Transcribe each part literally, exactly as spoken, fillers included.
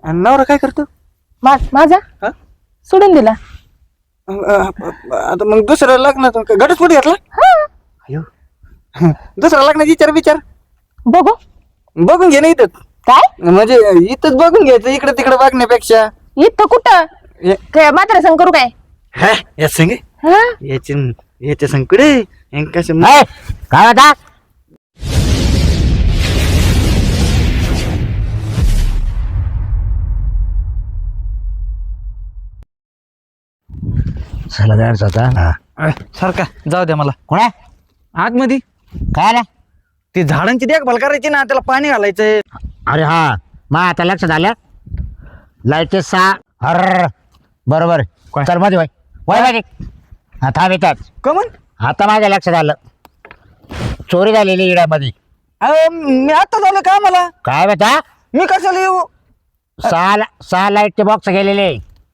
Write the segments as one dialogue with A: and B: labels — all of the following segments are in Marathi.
A: आणि नवरा काय करतो?
B: मा- माझा
A: हा?
B: सोडून दिला.
A: आता मग दुसऱ्या लग्नात घटस्फोट घातला?
B: हा
A: अयो. दुसऱ्या लग्नाचा विचार विचार
B: बघू
A: बघून घे ना इथंच.
B: काय
A: म्हणजे इथंच बघून घ्यायचं, इकडे तिकडे बघण्यापेक्षा.
B: इथं कुठं
A: हे-
B: काय मात्र संग करू काय?
A: हा या संग
B: हा
A: याच्या याच्या संकडे कसं
C: ए, काय होता? चला जायचं होता.
A: अय, सारखा जाऊ द्या मला
C: कोणा
A: आतमध्ये.
C: काय आला?
A: ती झाडांची देखभाल करायची ना, त्याला पाणी घालायचंय.
C: अरे हा मग आता लक्षात आलं. लाईटचे सहा हर बरोबर. चल मध्ये वय वय मध्ये. हा थांब येतात.
A: कमन
C: आता माझ्या लक्षात आलं, चोरी झालेली इड्यामध्ये.
A: मी आता झालं का मला?
C: काय बेटा?
A: मी कशाला येऊ?
C: सहा सहा लाईटचे बॉक्स गेलेले.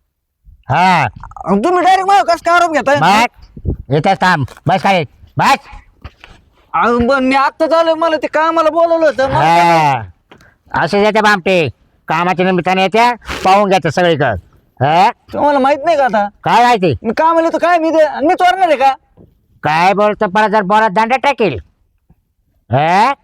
C: हा
A: तुम्ही डायरेक्ट मला कसं काय आरोप घेताय?
C: बस येतात. थांब बस काय बस.
A: अहो, पण मी आता झालं, मला ते कामाला बोलवलं होतं. मला काय
C: हा असे येते बामटे कामाच्या निमित्ताने येत्या, पाहून घ्यायचं सगळीकडं. हा
A: तुम्हाला माहित नाही का आता?
C: काय माहिती?
A: मी कामाला येतो काय? मी ते मी चोरणार आहे का?
C: काय बोलतो परत जर बोलात दांडा टाकेल. हा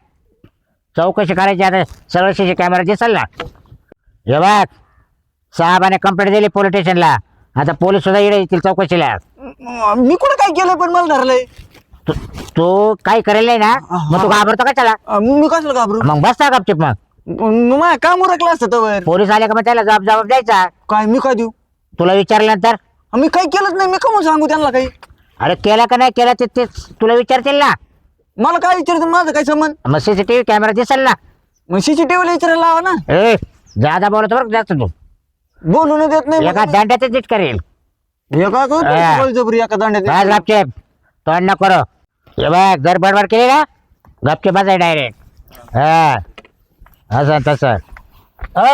C: चौकशी करायची आता, सगळं सी कॅमेरा दिसेल ना. हे बघ साहेबाने कंप्लेंट दिली पोलीस स्टेशनला. आता पोलीस सुद्धा इकडे येतील चौकशीला.
A: मी कुठं काय केलं पण मला धरलंय?
C: तू तू काही करेल नाही ना, मग तू घाबरतो का त्याला?
A: अं, मी कशाला घाबरू?
C: मग बसता गपचिप. मग
A: मग माझ्या काम उरकलं असतं तवर.
C: पोलीस आले का मग त्याला जबाब जबाब द्यायचा.
A: काय मी काय देऊ?
C: तुला विचारल्यानंतर
A: मी काही केलंच नाही, मी कमून सांगू त्यांना काही?
C: अरे केला का नाही केला ते तेच तुला विचारतील ना.
A: मला काय विचारतं? माझं काय संबंध?
C: मग सीसीटीव्ही कॅमेरा दिसेल ना.
A: मग सीसीटीव्हीला विचारायला लावा ना.
C: ए जादा बोलतो बरं जास्त तू.
A: बोलून देत नाही.
C: एका दांड्यात नीट करेल.
A: हे काय करतो?
C: हा.
A: बळजबरी एका
C: बस
A: दांड्यात.
C: गपचेप तोंड नको करो. हे बघ जर बडबड केली ना गपचेप बसाय डायरेक्ट. हा असं तसं. अ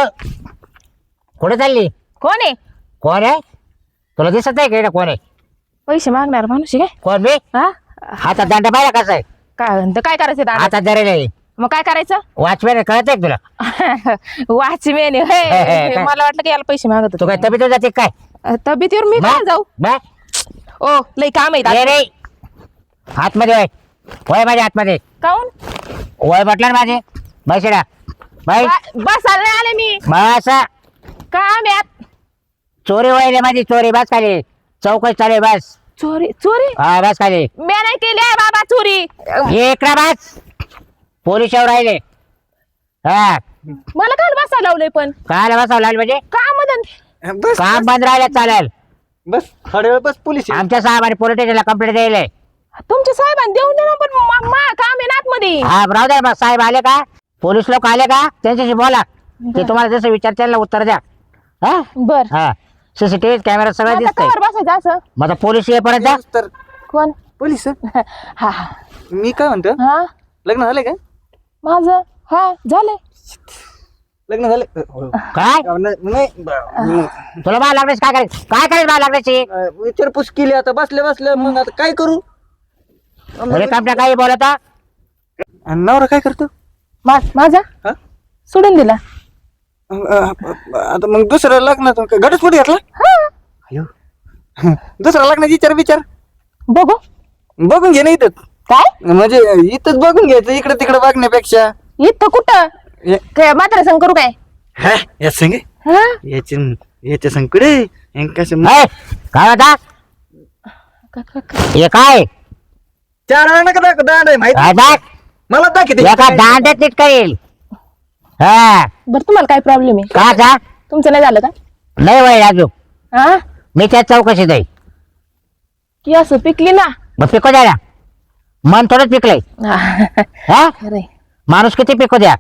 C: कुठे चालली?
B: कोण आहे?
C: कोण आहे? तुला दिसत नाही का इकडे कोण आहे?
B: पैसे मागणार माणूस आहे काय?
C: कोण मी?
B: हा
C: हातात दांडा पाहिला कसा आहे?
B: काय म्हणतं? काय करायचं दादा?
C: हातात धरेल
B: मग काय करायचं?
C: वॉचमॅन कळत आहे का तुला?
B: वाचमेन
C: काय?
B: मला वाटलं की याला पैसे मागत
C: तू काय
B: होते.
C: तब्येत जाते काय?
B: तब्येतीवर मी काय जाऊ?
C: बा
B: ओ लई काम आहे
C: ये
B: दादा.
C: रे आतमध्ये वय वय माझ्या आतमध्ये
B: काऊन?
C: वय म्हटलं ना माझे. बैसेडा बाई
B: बा- बस आले आले मी.
C: बस.
B: काम आहे आत-
C: चोरी वय माझी चोरी. बस खाली चौकशी चालू आहे. बस
B: चोरी चोरी
C: हा बस खाली.
B: मी नाही केली आहे बाबा चोरी.
C: ये इकडे बस. पोलीस येऊ राहिले. हा
B: मला काय बसायला लावलंय पण?
C: काय बसावं लागलं म्हणजे
B: काम धंदे
A: बस
C: काम बंद राहिलं चालेल.
A: बस थोड्या वेळ बस. पोलीस आहे.
C: आमच्या साहेबांनी पोलीस स्टेशनला कंप्लेंट द्यायला.
B: तुमच्या साहेबांनी देऊन दे ना, पण मा- मा काम आहे ना आतमध्ये.
C: हा राहू द्या. मग साहेब आले का, पोलीस लोक आले का त्यांच्याशी बोला. ते तुम्हाला जसं विचारतील उत्तर द्या. हा
B: बर
C: हा सीसीटीव्ही कॅमेरा सगळं
B: आता
C: दिसतंय.
B: कवर बसायचं असं?
C: मग आता पोलीस येईपर्यंत द्या.
A: तर
B: कोण?
A: पोलीस
B: हा हा
A: मी काय म्हणतो,
B: हा
A: लग्न झालंय का?
B: माझं हा झालंय.
A: लग्न झाले
C: काय
A: नाही. ब-
C: तुला बाहेर लागण्याची काय करायचं? काय करायचं बाहेर लागण्याची?
A: अं, विचारपूस केली आता बसल्या बसल्या. मग आता काय करू?
C: अरे कामट्या काही बोलता.
A: आणि नवरा काय करतो?
B: मा- माझा
A: हा?
B: सोडून दिला.
A: अं, आता मग दुसऱ्या लग्नात घटस्फोट घातला?
B: हा
A: अयो. दुसऱ्या लग्नाचा विचार विचार
B: बघू
A: बघून घे ना इथंच.
B: काय
A: म्हणजे इथंच बघून घ्यायचं, इकडे तिकडे बघण्यापेक्षा.
B: इथं कुठं
A: हे-
B: काय मात्र संग करू काय?
A: हा या संग
B: हा
A: याच्या याच्या संकडे कसं
C: ए, काय होता?
B: क- क- क-
C: हे काय
A: चार आणा का दाख- दांड आहे माहिती?
C: काय दाख?
A: मला दाखवते.
C: एका दांड्यात नीट करेल. हा
B: बरं तुम्हाला काय प्रॉब्लेम आहे?
C: का जा
B: तुमचं नाही झालं का?
C: नाही वय राजू.
B: हा
C: मी त्या चौकशीत आहे.
B: की असं पिकली ना.
C: मग पिको द्या ना. मन थोडंच पिकलंय. हा
B: खरंय.
C: माणूस किती पिको द्या.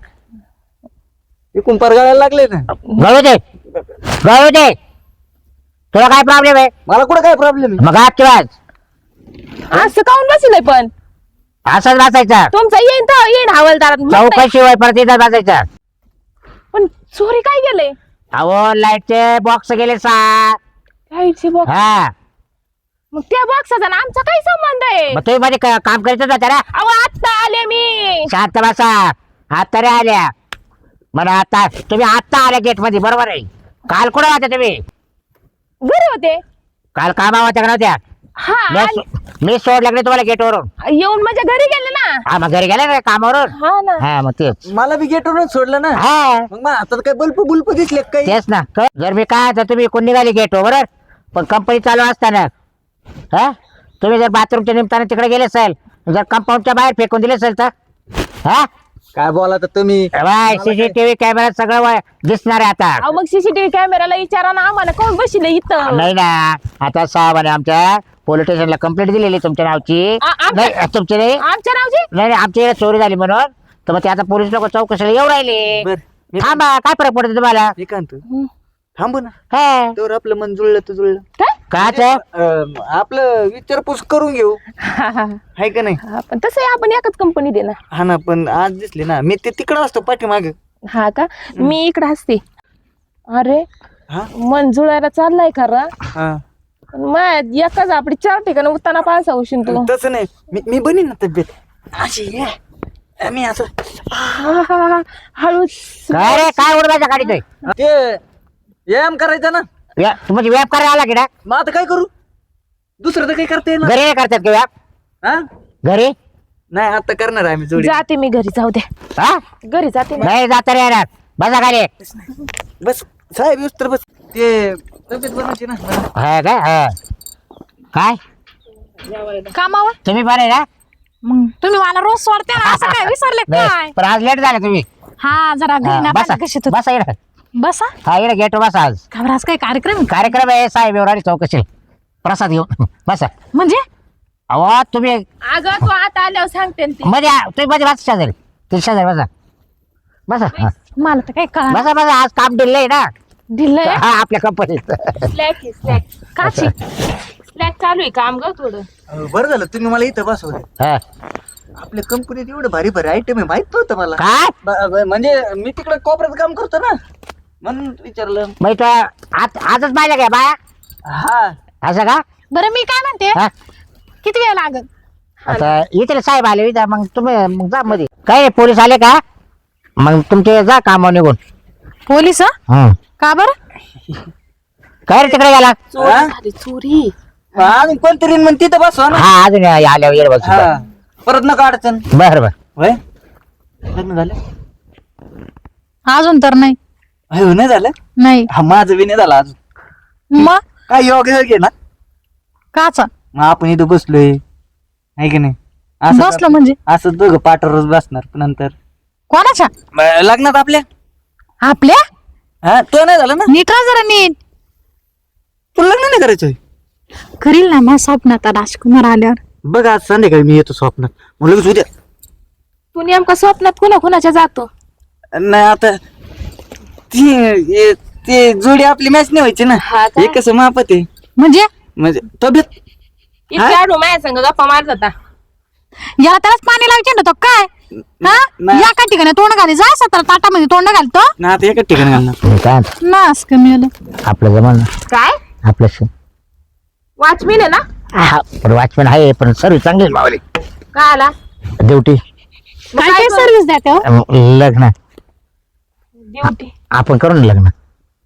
A: एकूण परगायला लागले ना.
C: गळू दे गळू दे. तुला काय प्रॉब्लेम आहे?
A: मला कुठं काय प्रॉब्लेम आहे?
C: मग आजची वाज
B: असं काऊन बसलंय पण?
C: असंच बसायचा.
B: तुमचा येईन तर येईन हवालदारात. मग नाही.
C: चौकशी वय परत इथं बसायचा.
B: पण चोरी काय गेलंय?
C: अहो लाईटचे बॉक्स गेले सहा.
B: लाईटची बॉक्स.
C: हा
B: मग त्या बॉक्साचा ना आमचा काय संबंध आहे?
C: मग तुम्ही मध्ये क- काम करायचं होतं ना.
B: अहो आता आले मी.
C: शांत बसा. आता रे आल्या म्हणा आता तुम्ही आता आल्या गेट मध्ये बरोबर आहे. काल कुठे होत्या तुम्ही?
B: घरी होते.
C: काल कामा होत्या का नव्हत्या?
B: हा
C: मी
B: आले.
C: मी सोडलं की नाही तुम्हाला गेटवरून?
B: येऊन माझ्या घरी गेले ना.
C: हा मग घरी गेले ना कामावरून.
B: हा ना.
C: हा मग तेच.
A: मला बी गेटवरून सोडलं ना.
C: हा
A: मग मला आता काय बल्प बुल्प दिसले का काही?
C: तेच ना. क- जर मी काय तर तुम्ही कोण निघाली गेटवर बरोबर, पण कंपनी चालू असताना हा तुम्ही जर बाथरूमच्या निमित्ताने तिकडे गेले असेल, जर कंपाऊंडच्या बाहेर फेकून दिले असेल तर हा
A: काय बोला तर तुम्ही?
C: बाय सीसीटीव्ही कॅमेरा सगळं वा- दिसणार आहे आता.
B: अहो मग सीसीटीव्ही कॅमेराला विचारा ना आम्हाला कोण बसले इथं.
C: नाही ना आता साहेबांनी आमच्या पोलीस स्टेशनला कंप्लेंट दिलेली तुमच्या नावची.
B: आ- आमच्या-
C: नाही तुमची नाही
B: आमच्या नावची.
C: नाही नाही, आमच्या इकडे चोरी झाली म्हणून तर मग ते आता पोलीस लोक चौकशीला येऊ राहिले.
A: बर मी
C: थांबा काय फरक पडतो तुम्हाला?
A: मी काय म्हणतो,
B: हं.
A: थांबू ना.
C: हा
A: तर आपलं मन जुळलं तर जुळलं.
B: काय?
C: काच
A: अं, आपलं विचारपूस करून घेऊ,
B: हा, हा,
A: हाय का नाही?
B: हा. पण तसं आपण एकाच कंपनी दे ना.
A: हा ना, पण आज दिसले ना मी ते तिकडं असतो पाठीमाग.
B: हा का? मी इकडे असते. अरे
A: हा
B: मन जुळायला चाललाय खरं.
A: हा
B: पण मग एकाच आपली चार ठिकाणी उत्ताना पास होशील तू.
A: तसं नाही, मी मी बनीन ना तब्येत अशी आहे. मी असं
B: हा, हा, हा. हळूच.
C: काय रे काय उडवायच्या गाडीत
A: ते व्यायाम करायचा ना.
C: म्हणजे व्याप करायला आला की ना?
A: मग आता काय करू, दुसरं तर काही करता येईल ना.
C: घरी नाही करतात का व्याप?
A: हा
C: घरी
A: नाही आता करणार आहे मी जोडी.
B: जाते मी घरी, जाऊ दे.
C: हा
B: घरी जाते मी.
C: नाही जाता रे येणार. बसा खाली.
A: बस साहेब येऊस तर बस. ते तब्येत बनायची ना.
C: हा काय हा. काय
B: कामावर.
C: तुम्ही बरे ना?
B: मग तुम्ही मला रोज सोडते ना, असं काय विसरले काय?
C: नाही पण आज लेट झाला तुम्ही.
B: हा जरा
C: हा,
B: घरी ना
C: बसा
B: पाहिजे कशी तू.
C: बसा इकडे.
B: बसा.
C: हा इकडे गेट बसा. आज
B: खबर आज काय कार्यक्रम आहे?
C: कार्यक्रम आहे साहेब एवढा चौकशी प्रसाद घेऊन बसा.
B: म्हणजे
C: अहो तुम्ही
B: अगं तू आता आल्यावर सांगते ना ती.
C: मध्ये तुम्ही मध्ये बसा शेजारी ते शेजारी बसा बसा हा.
B: मला तर काय कळा.
C: बसा बसा आज काम दिलंय आहे ना.
B: दिलंय.
C: हा आपल्या कंपनीत.
B: स्लॅक आहे, स्लॅक. काची स्लॅक चालू आहे काम ग थोडं.
A: अं, बरं झालं तुम्ही मला इथं बसवले.
C: हा.
A: आपल्या कंपनीत एवढं भारी भारी आयटम आहे, माहित नव्हतं मला.
C: काय
A: ब- ब- म्हणजे मी तिकडे कोपऱ्यात काम करतो ना, म्हणून विचारलं.
C: मग तो आज आजच पाहिजे काय बाया
A: हा
C: असं का?
B: बरं मी काय म्हणते,
C: हा
B: किती वेळ लागल?
C: आता इथे साहेब आले इथं मग तुम्ही मग जा मध्ये. काय रे पोलीस आले का? मग तुमचे जा कामावर निघून.
B: पोलीस?
C: हं.
B: का बरं?
C: काय रे तिकडे गेला?
B: चोरी झाली, चोरी.
A: अजून कोणतरी मग तिथं बसवा ना.
C: हा अजून आल्यावर येड बस.
A: हा परत नका अडचण.
C: बर बर.
A: होय लग्न झालं?
B: अजून तर नाही.
A: हो नाही झालं.
B: नाही.
A: हा माझं बी नाही झालं अजून.
B: मग
A: काय योग योग आहे ना.
B: काचा
A: मग आपण इथं बसलोय आहे की नाही, असं
B: बसलो म्हणजे
A: असं दोघं पाठवरच बसणार पण नंतर
B: कोणाच्या?
A: ब- लग्नात आपल्या.
B: आपल्या?
A: हा तो नाही झालं ना.
B: नीट राहा जरा नीट.
A: तुला लग्न नाही करायचंय?
B: करील ना माझ्या स्वप्नात राजकुमार आल्यावर.
A: बघ आज संध्याकाळी मी येतो स्वप्नात, मग लगेच उद्या.
B: तू नेमका स्वप्नात कुणा कुणाच्या जातो?
A: नाही आता ती हे- ते जोडी आपली मॅच नाही व्हायची ना.
B: हा का?
A: हे कसं मापत आहे
B: म्हणजे
A: म्हणजे तब्येत.
B: इतके आडू माझ्या संग गप्पा मारत होता. याला त्यालाच पाणी लावायचे ना तो काय? हा
A: नाही.
B: या का ठिकाणी तोंड घाली जा सतरा ताटामध्ये तोंड घालतो
A: ना आता एकाच ठिकाणी घालणार.
C: तुम्ही काय म्हणता?
B: नास कमी आलं.
C: आपलं जमान
B: काय
C: आपलं श-
B: वॉचमॅन आहे ना?
C: हा पण वॉचमॅन आहे पण सर्विस चांगली आहे मावली.
B: काय आला?
C: ड्युटी
B: काय काय सर्व्हिस द्या तो?
C: लग्न
B: ड्युटी
C: आपण करू ना लग्न.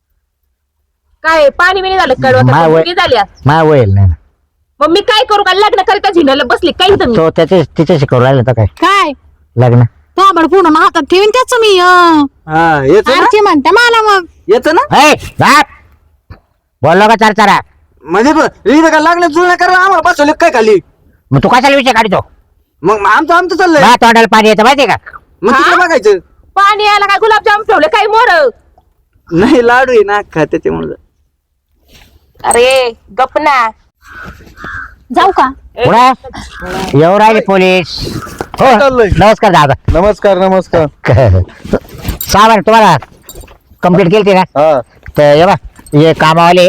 B: काय पाणी बिणी झालं
C: माय
B: कडवत
C: वय-
B: किती झाली आज?
C: माझ्या वयल नाही ना.
B: मग मी काय करू का लग्न करीता झिनाला बसली काही तुम्ही
C: तो त्याचे तिच्याशी करू राहिला तर काय
B: काय
C: लग्न.
B: ताबड पूर्ण हातात ठेवीन त्याच मी अं.
A: हा येतो ना.
B: आरती म्हणते मला मग
A: येतो ना.
C: ए, जा. बोललो का चार चारा?
A: म्हणजे बघ, इथं काय लागलं जुळणं करायला आम्हाला बसवलं काय खाली.
C: मग तू कशाला विषय काढतो?
A: मग आमचं आमचं चाललंय.
C: माझ्या तोंडाला पाणी येतं माहितीये का?
A: मग तिकडे बघायचं.
B: पाणी यायला काय गुलाबजाम ठेवले काही मोर?
A: नाही लाडू आहे ना खा त्याच्यामुळे.
B: अरे गपना जाऊ का?
C: पुढे येऊ राहिले पोलीस. हो
D: चाललंय?
C: नमस्कार दादा.
D: नमस्कार नमस्कार.
C: साहेब तुम्हाला कंप्लीट केली ना
D: हा
C: तर ये बा ये कामावाले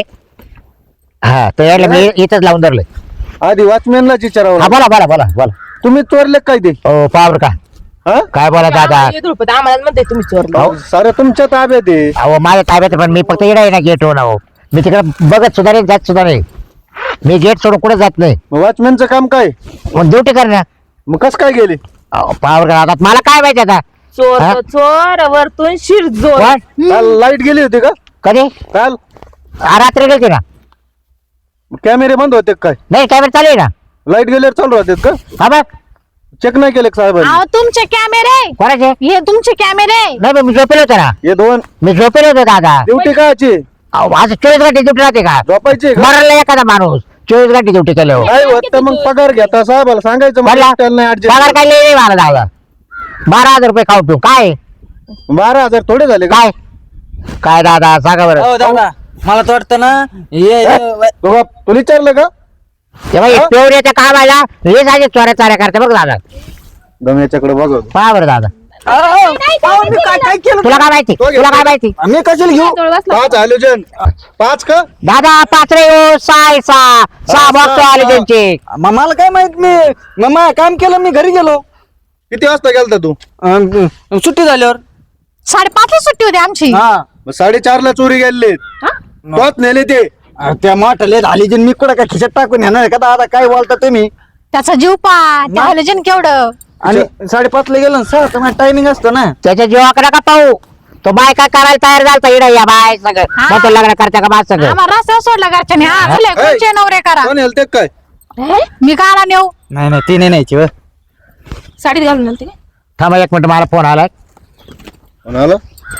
C: हा तर यायला मी इथंच लावून धरलं.
D: आधी वॉचमॅनलाच विचारावं
C: हा
D: लागेल.
C: बोला बोला बोला बोला.
D: तुम्ही चोरले काय ते?
C: ओ पावर का
D: हा
C: काय बोला दादा?
B: आम्हाला म्हणते तुम्ही चोरलो.
C: हो.
D: सारे तुमच्या ताब्यात आहे.
C: अहो माझ्या ताब्यात पण मी फक्त येडा आहे ना गेट होऊन. अहो मी तिकडे बघत सुद्धा नाही जात सुद्धा नाही. मी गेट सोडून कुठे जात नाही.
D: मग वॉचमॅनचं काम काय?
C: मग ड्युटी कर ना.
D: मग कस काय गेले?
C: पावर का आता मला काय माहिती आता
B: चोर
C: हा?
B: तो चोर वरतून शिरजोर.
C: कोण?
D: काल लाईट गेली होती का
C: कधी
D: काल
C: आ, रात्री गेलते ना.
D: कॅमेरे बंद होते का काय
C: नाही कॅमेरा चालू आहे ना.
D: लाईट गेल्यावर चालू राहतात का
C: हा बघ
D: चेक नाही केले का साहेबांनी
B: अहो तुमचे कॅमेरे,
C: कोणाचे
B: हे तुमचे कॅमेरे.
C: नाही बा, मी झोपेल होतो ना.
D: हे दोन
C: मी झोपेल होतो दादा.
D: ड्युटी काची
C: अहो, असं चोवीस घंटे ड्युटी राहते का?
D: झोपायची का
C: मरला एखादा माणूस चोवीस घंटे ड्युटी केल्यावर.
D: काय होत मग पगार घेता साहेबाला सांगायचं
C: पडला?
D: मला त्याला नाही
C: पगार
D: adjust.
C: काय लई मला दादा. बारा हजार रुपये खाऊ पिऊ काय
D: बारा हजार थोडे झाले का
C: काय काय दादा सांगा बरं.
A: हो दादा मला तर वाटतं ना हे हे-
D: तो बाप, तुला विचारलं का
C: तेव्हा पेवऱ्याच्या कामाला हे साजे चोऱ्या चाऱ्या करते बघ दादा.
D: गम्याच्याकडे बघ
C: पहा बरं दादा.
A: अहो, अहो, मी काय काय केलं
C: तुला काय माहिती
D: तो घे.
C: तुला काय माहिती
A: मी कशाला घेऊ
B: जवळ बसला.
D: पाच हॅलोजन पाच का
C: दादा पाच रे ओ सहा आहे, सहा सहा बॉक्स आले त्यांचे.
A: म- मला काय माहित मी मग काम केलं मी घरी गेलो
D: किती वाजता गेलता तू
A: अं, सुट्टी झाल्यावर
B: साडेपाचला सुट्टी होती आमची.
A: हा
D: मग साडेचार ला चोरी गेले तोच नेले ते
A: अं, त्या मोठ्याले झाली जे मी कुठं काय खिशात टाकून येणार आहे का दादा काय बोलता तुम्ही
B: त्याचा जीव पा त्या हॅलोजन केवढं.
A: आणि साडेपाच ला गेलो ना सर तुम्हाला टायमिंग असतो ना
C: त्याच्या जीवाकडे का पाहू तो बाय काय करायला तयार झालता इडा या बाय सगळं
B: हा.
C: मग तो लग्न करता का बा सगळं.
B: आम्हाला रस्त्यावर सोडला घरच्याने. हा बोले
D: ए,
B: कोणचे नवरे करा.
D: कोण हेलते काय
B: हे? मी काला नेऊ
A: नाही नाही ती नाही न्यायची व.
B: साडीत घालून आलते का?
C: थांबा एक मिनिट मला फोन आलाय.
D: कोणाला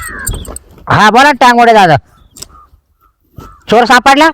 C: हा बोला टांगोडे दादा. चोर सापडला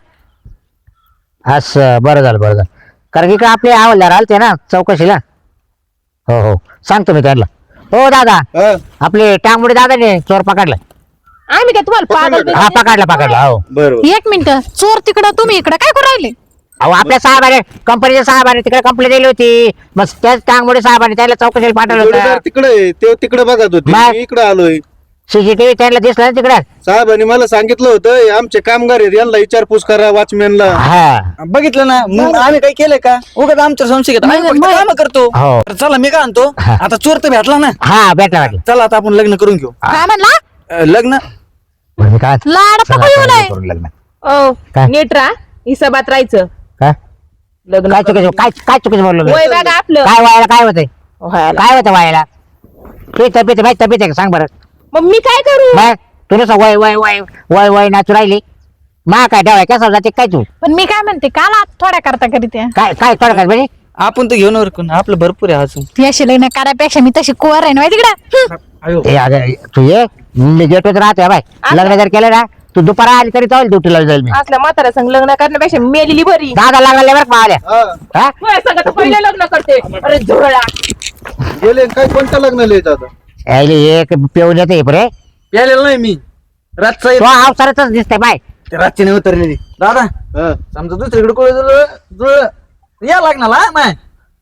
C: असं बरं झालं बरं झालं कारण की का आपले हवालदार आलते ना चौकशीला. हो हो सांगतो मी त्यांना. हो दादा
D: हा,
C: आपले टांगोडे दादाने चोर पकडला.
B: आम्ही काय तुम्हाला पागल
D: पकडलं
C: हा पकडला पकडला हो.
D: बरोबर
B: एक मिनिट चोर तिकडं तुम्ही इकडं काय करू राहिले.
C: अहो आपल्या साहेबाने कंपनीच्या साहेबाने तिकडे कंप्लेंट दिली होती मग त्याच टांगोडे साहेबाने त्याला चौकशीला पाठवलं
D: जोडीदार
C: होतं.
D: तिकडे आहे, ते तिकडे बघत होते
C: मग?
D: मी इकडे आलोय
C: सीसीटीव्ही त्यांना दिसलं ना तिकडे.
D: साहेबांनी मला सांगितलं होतं हे आमचे कामगार आहेत यांना विचारपूस करा वॉचमॅनला
C: हा
A: बघितलं ना मग आम्ही काय केलंय का उगाच आमच्या संशय घेतो आम्ही फक्त कामं करतो
C: हो.
A: तर चला मी काय आणतो
C: हा.
A: आता चोर तर भेटला ना
C: हा भेटला भेटला.
A: चला आता आपण लग्न करून घेऊ
B: काय म्हणला.
A: अं, लग्न
C: बरं, मी काय
B: लाड
C: चला,
B: पकडू
C: चला,
B: नये.
C: करून लग्न.
B: ओ
C: काय?
B: नीट राहा हिसाबात राहायचं.
C: काय
B: लग्न
C: काय चुकीचं काय काय चुकीचं बोललो मी?
B: वय बघा आपलं.
C: काय व्हायला काय होतंय
B: व्हायला.
C: काय होतं व्हायला तुझी तब्येत माझी तब्येत आहे का सांग बरं.
B: मग मी काय करू.
C: मग तू नुसतं वय वय वय वय वय नाचू राहिली मा काय ठेवाय कसं जाते काय तू
B: पण मी काय म्हणते काल आत थोड्या करता करीत आहे.
C: काय काय थोडं काय म्हणजे
A: आपण तर घेऊन कोण आपलं भरपूर आहे अजून
B: ती अशी लग्न करायपेक्षा मी तशी कुवर आहे ना माहिती तिकडं.
A: अयो.
C: ए, अगं, तू ये मी गेटवर राहतोय बाय लग्न जर केलं ना तू दुपारा आली तरी चालेल ड्युटीला जाईल मी.
B: असल्या म्हातारा संग लग्न करण्यापेक्षा मेलेली बरी.
C: दादा लागले बरं पाहिल्या
D: हा,
C: हा
B: होय, सगळं तर पहिले लग्न करते. अरे झोळा.
D: गेले काय कोणतं लग्न लिहित आता
C: यायले एक पिऊन येते रे
A: प्यालेलं नाही मी रातचा
C: तो अवसरच दिसतंय बाय.
A: ते रातची नाही उतरलेली दादा
D: हा.
A: समजा दुसरीकडे कोणी जुळलं जुळलं या लागणार हा माय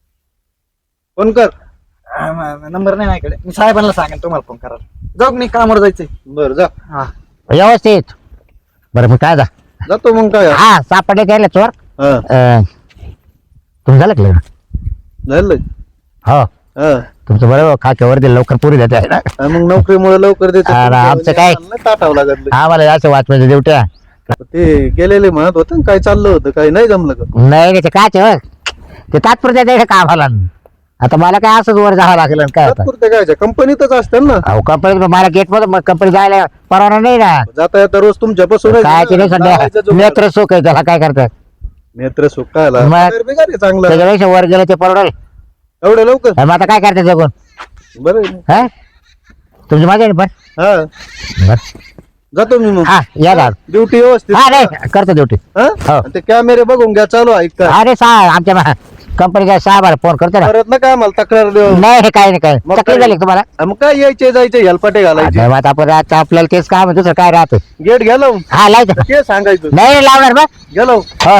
D: फोन कर
A: नंबर नाही माझ्याकडे मी साहेबांना सांगेन तुम्हाला फोन करा जाऊ का मी कामावर जायचंय
D: बर जा
A: हा
C: व्यवस्थित बरं मी काय जा
D: जातो मग काय
C: हा सापडले त्याला चोर.
D: हा
C: अं, तुमचं झालं का लग्न?
D: झालं
C: हो
D: हा
C: तुमचं बरोबर खाक्यावर दिलं लवकर पुरी देते आहे ना.
D: हा, मग नोकरीमुळे लवकर देते
C: अरे, आमचं काय?
D: ताटावं लागत
C: आम्हाला असं वाचवायचं ड्युट्या
D: ते गेलेले म्हणत होते ना, काय चाललं होतं काय नाही जमलं का
C: नाही नाही, ते काच आहे, हो. ते तात्पुरत्या द्यायचं कामाला आता मला काय असंच वर जावं लागेल आणि काय आता
D: तात्पुरते काय कंपनीतच असतात ना
C: अहो कंपनी मला गेट मध्ये कंपनी जायला परवाना नाही ना.
D: जाता येता रोज तुमच्या बसून
C: काय ते नाही सध्या नेत्र सुख आहे त्याला काय करतात
D: नेत्र सुख काय आला?
C: मग-
D: पगार बिगार आहे चांगला
C: त्याच्यापेक्षा वर गेलं ते परवडेल.
D: एवढं लवकर
C: मग आता काय करतात जगून
D: बरं आहे.
C: हा तुमची मजा आहे ना पण
D: हा
C: बरं.
D: जातो मी मग
C: हा या दादा
D: ड्युटी व्यवस्थित
C: हा नाही करतो ड्युटी
D: हा?
C: हो.
D: आणि ते कॅमेरे बघून घ्या चालू ऐका
C: अरे सा आमच्या कंपनीच्या साहेबाला फोन करतो ना.
D: परत ना काय आम्हाला तक्रार देऊ
C: नाही हे काय नाही काय
D: मग
C: तक्रार
D: काय?
C: झाली का तुम्हाला
D: हा, मग काय यायचे जायचे हेलपाटे घालायचे
C: आता मग आपण आता आपल्याला तेच काम आहे, दुसरं काय राहतं.
D: गेट गेलो
C: हा लायचं
D: ते सांगायचं
C: नाही नाही लावणार मग
D: गेलो
C: हो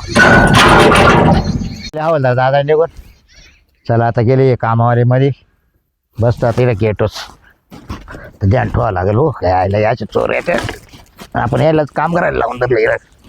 C: लावलं दादा निघून चला आता गेले कामावारी मध्ये बसतो तिथे गेटोच ध्यान ठेवावं लागेल हो काय याचे चोर येते आपण यायलाच काम करायला लावून धरलं